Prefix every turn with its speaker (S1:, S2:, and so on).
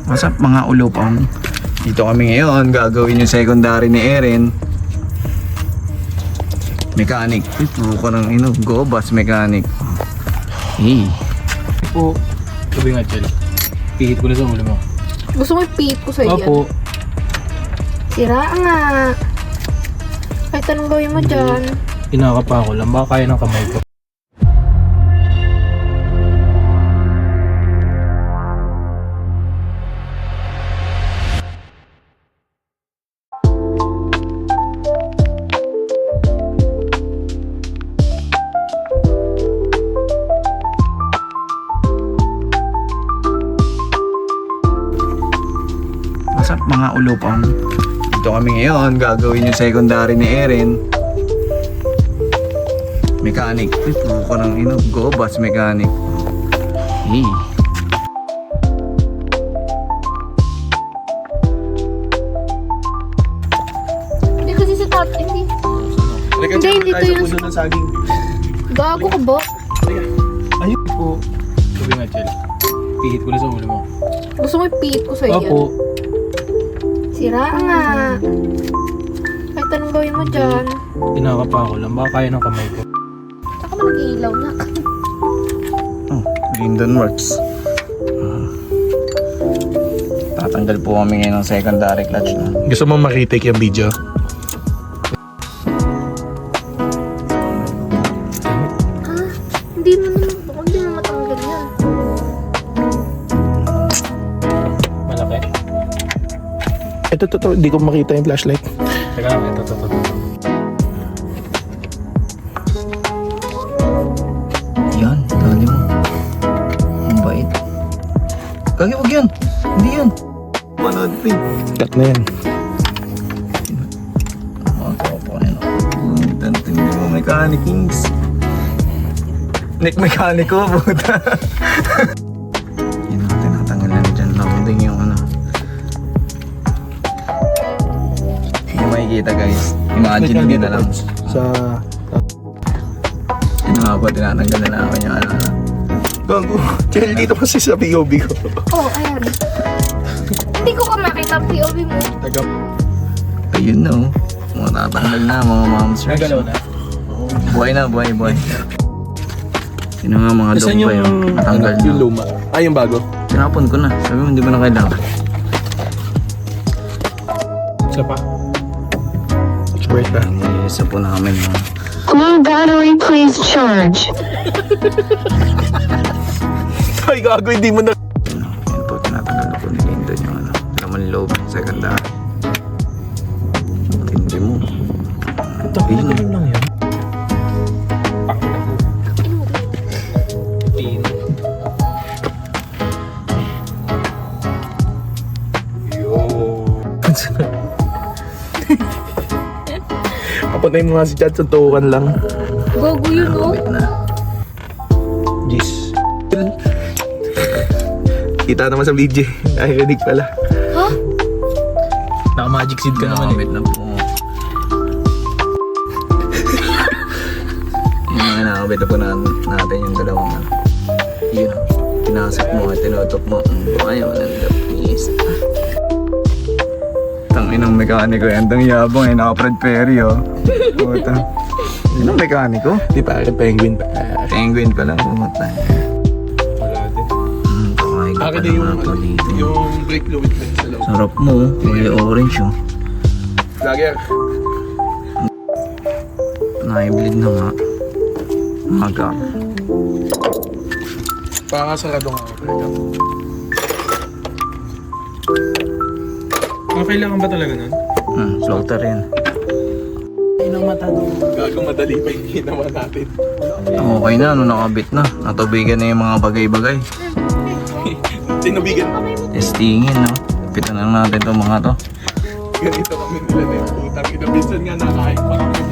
S1: What's up mga ulupang? Dito kami ngayon, gagawin yung secondary ni Erin. Mechanic. Ito ko ng go bus mechanic. Hey.
S2: Po, sabi nga Chel, pihit ko na sa ulo mo.
S3: Gusto mo ipihit ko sa iyo?
S2: Opo.
S3: Sira nga. Kahit anong gawin mo dyan.
S2: Kinakapa ko lang, baka kaya ng kamay ko.
S1: What's up mga ulupang? Dito kami ngayon, gagawin yung secondary ni Erin. Mechanic. Ito ko ng go bus mechanic. Hey.
S3: Hindi kasi sa top, hindi. Hindi, hindi to yung...
S2: ng saging.
S3: Gago ka ba?
S2: Ayun po. Sabi nga Chel, pihit ko na sa ulo mo.
S3: Gusto mo ipihit ko sa iyo?
S2: Opo.
S3: Sira nga. Kahit anong gawin mo dyan.
S2: Kinakapa ko lang, baka kaya ng kamay ko.
S3: Saka mo nag-iilaw na.
S1: Oh, Linden Works. Tatanggal po kami ngayon ng secondary clutch na.
S4: Gusto mo makitake yung video?
S3: Hindi mo matanggal yan.
S2: Malaki.
S4: Ito, hindi ko makita yung flashlight.
S2: Teka lang, ito.
S1: Yan, dali mo. Ang bait. Kagi, wag yan. Hindi yan. Panood pa eh.
S4: Cut na yan.
S1: Makapo ka yun. Tantindi mo, mechanicings. Nick mekaniko, puta. Yun ang tinatanggal na dyan. Loading yung Yung makikita guys. Imagine nyo na lang.
S4: Sa...
S1: Yun nga po, tinatanggal na namin yung
S4: Gago. Chel, dito kasi sa POV ko.
S3: Oh, ayan. Hindi ko ka makita ang POV mo.
S4: Taga...
S1: Ayun na oh. Mga tatanggal na, mga momsters.
S2: Nagalaw na.
S1: Buhay na, buhay. Yun na nga mga
S4: Saan
S1: dog pa
S4: yung...
S1: yun. Natanggal
S4: yung
S1: na.
S4: luma? Ah, yung bago?
S1: Tinapon ko na. Sabi mo, hindi mo na kailangan.
S4: Isa pa. Wait na.
S1: Isa po namin mga
S5: Low battery, please charge.
S4: Ay, gago, hindi mo na...
S1: Yan po, tinatanggal ko ni Linden yung laman loob, secondary. Hindi mo. Ayun.
S4: lang yan.
S2: Pin.
S4: Papunay mo nga si Chad, suntukan lang.
S3: Gago yun, oh.
S1: Wait na.
S4: Jeez. Kita naman sa video. Ay, rinig pala.
S3: Ha?
S2: Naka-magic seed ka naman eh.
S1: Wait na po. Yung mga nakabit na po natin yung dalawang yun. Pinasok mo at tinutok mo. Ayaw ng lapis. Tanginang mekaniko yan. Tang yabang eh. Naka-Fred Perry oh. Puta. Yun ang mekaniko.
S4: Di pa, penguin pa.
S1: Penguin pa lang. Puta.
S2: Wala din.
S4: Akin na yung brake fluid na sa loob.
S1: Sarap mo. Kulay orange oh.
S4: Lagi.
S1: Nai-bleed na nga. Maga.
S4: Pakakasarado nga ako. Kailangan ba talaga nun?
S1: Floater yan.
S4: Inang mata nung gago madali pa yung ginawa natin.
S1: Okay na. Nakabit na. Natubigan na yung mga bagay-bagay.
S4: Tinubigan.
S1: Testingin no. Pitan lang natin itong mga to.
S4: Ganito kami nila na yung putang ina. Minsan nga nakain pa kami